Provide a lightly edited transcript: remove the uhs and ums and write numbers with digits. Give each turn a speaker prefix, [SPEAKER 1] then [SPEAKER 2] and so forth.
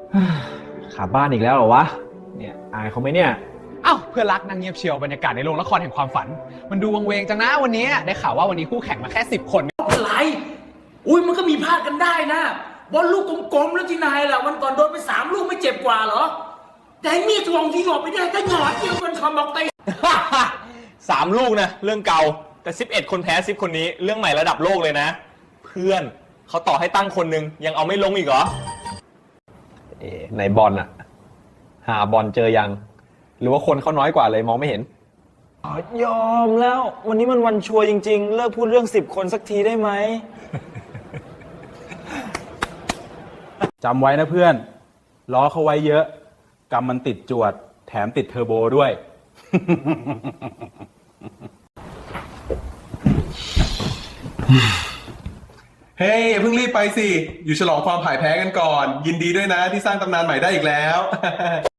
[SPEAKER 1] ขาบ้านอีกแล้วเหรอวะเนี่ยอายเขาไหมเนี่ย
[SPEAKER 2] เอ้าเพื่อนรักนางเงียบเชียวบรรยากาศในโรงละครแห่งความฝันมันดูวังเวงจังนะวันนี้ได้ข่าวว่าวันนี้คู่แข่งมาแค่10 คน
[SPEAKER 3] อะไรอุ้ยมันก็มีพลาดกันได้นะบอลลูกกลมๆแล้วที่นายล่ะวันก่อนโดนไป3 ลูกไม่เจ็บกว่าเหรอแต่มีดทวงที่หยอดไปได้ก็หยอดเดียวกันคำบอกเตะ
[SPEAKER 4] 3 ลูกนะเรื่องเก่าแต่11 คนแพ้10 คนนี้เรื่องใหม่ระดับโลกเลยนะ เพื่อนเขาต่อให้ตั้งคนนึงยังเอาไม่ลงอีกเหรอ
[SPEAKER 1] ในบอลอะหาบอลเจอยังหรือว่าคนเขาน้อยกว่าเลยมองไม่เห็น
[SPEAKER 5] ยอมแล้ววันนี้มันวันชัวร์จริงๆเลิกพูดเรื่อง10 คนสักทีได้ไหม
[SPEAKER 6] จำไว้นะเพื่อนล้อเขาไว้เยอะกำมันติดจวดแถมติดเทอร์โบด้วย
[SPEAKER 7] เฮ้ยอย่าเพิ่งรีบไปสิ อยู่ฉลองความพ่ายแพ้กันก่อน ยินดีด้วยนะที่สร้างตำนานใหม่ได้อีกแล้ว